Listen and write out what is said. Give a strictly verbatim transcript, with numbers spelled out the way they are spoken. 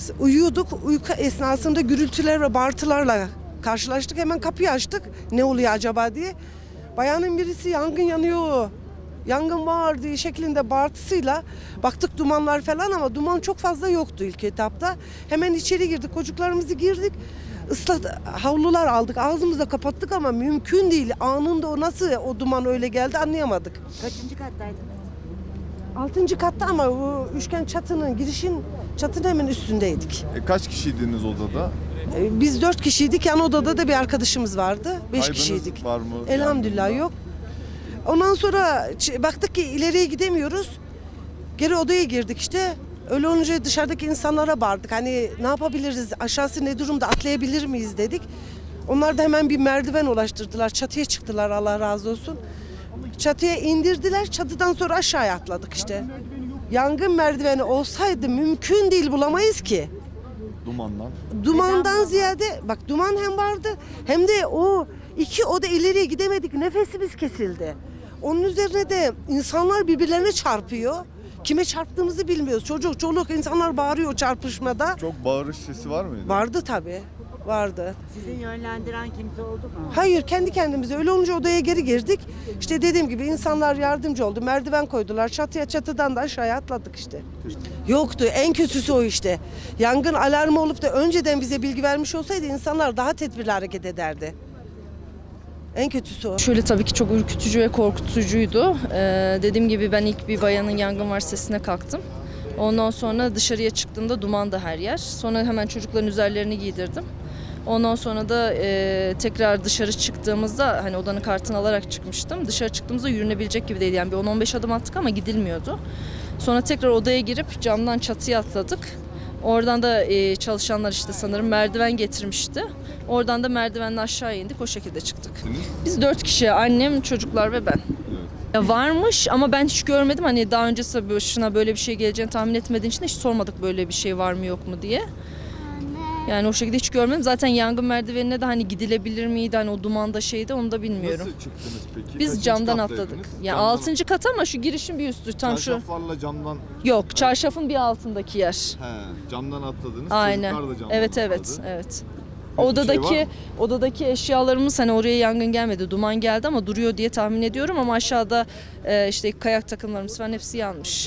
Uyuyorduk. Uyku esnasında gürültüler ve bağırtılarla karşılaştık. Hemen kapıyı açtık. Ne oluyor acaba diye. Bayanın birisi yangın yanıyor, yangın var diye şeklinde bağırtısıyla baktık dumanlar falan ama duman çok fazla yoktu ilk etapta. Hemen içeri girdik. Çocuklarımızı girdik. Islat havlular aldık. Ağzımızı kapattık ama mümkün değil. Anında o nasıl o duman öyle geldi anlayamadık. Kaçıncı kattaydınız? Altıncı katta ama o üçgen çatının girişin çatının hemen üstündeydik. E, kaç kişiydiniz odada? Ee, Biz dört kişiydik. Yan odada da bir arkadaşımız vardı. Beş Kaybınız kişiydik. var mı? Elhamdülillah Yangında? yok. Ondan sonra ç- baktık ki ileriye gidemiyoruz. Geri odaya girdik işte. Öyle olunca dışarıdaki insanlara bağırdık. Hani ne yapabiliriz? Aşağısı ne durumda? Atlayabilir miyiz dedik. Onlar da hemen bir merdiven ulaştırdılar. Çatıya çıktılar Allah razı olsun. Çatıya indirdiler. Çatıdan sonra aşağıya atladık işte. Yangın merdiveni olsaydı mümkün değil bulamayız ki. Dumandan. Dumandan ziyade bak duman hem vardı hem de o iki oda ileriye gidemedik, nefesimiz kesildi. Onun üzerine de insanlar birbirlerine çarpıyor. Kime çarptığımızı bilmiyoruz. Çocuk, çoluk insanlar bağırıyor çarpışmada. Çok bağırış sesi var mıydı? Vardı tabii. Vardı. Sizi yönlendiren kimse oldu mu? Hayır kendi kendimize öyle olunca odaya geri girdik. İşte dediğim gibi insanlar yardımcı oldu. Merdiven koydular. Çatıya çatıdan da aşağıya atladık işte. Yoktu. En kötüsü o işte. Yangın alarmı olup da önceden bize bilgi vermiş olsaydı insanlar daha tedbirli hareket ederdi. En kötüsü o. Şöyle tabii ki çok ürkütücü ve korkutucuydu. Ee, dediğim gibi ben ilk bir bayanın yangın var sesine kalktım. Ondan sonra dışarıya çıktığımda dumandı her yer. Sonra hemen çocukların üzerlerini giydirdim. Ondan sonra da e, tekrar dışarı çıktığımızda hani odanın kartını alarak çıkmıştım. Dışarı çıktığımızda yürünebilecek gibi değildi. Yani bir on on beş adım attık ama gidilmiyordu. Sonra tekrar odaya girip camdan çatıya atladık. Oradan da e, çalışanlar işte sanırım merdiven getirmişti. Oradan da merdivenle aşağı indik, o şekilde çıktık. Biz dört kişi, annem, çocuklar ve ben. Evet. Ya varmış ama ben hiç görmedim. Hani daha öncesi başına böyle bir şey geleceğini tahmin etmediğim için hiç sormadık böyle bir şey var mı yok mu diye. Yani o şekilde hiç görmedim. Zaten yangın merdivenine de hani gidilebilir miydi? Hani o dumanda şeydi onu da bilmiyorum. Nasıl çıktınız peki? Biz Kaçıncı camdan kattaydınız? atladık. Ya Camdan- altıncı kat ama şu girişin bir üstü tam şu. Çarşaflarla camdan. Yok, çarşafın bir altındaki yer. He, camdan atladınız. Aynen. Çocuklar da camdan Evet evet atladı. evet. Peki, Odadaki şey var mı? odadaki eşyalarımız hani oraya yangın gelmedi, duman geldi ama duruyor diye tahmin ediyorum ama aşağıda e, işte kayak takımlarımız falan hepsi yanmış.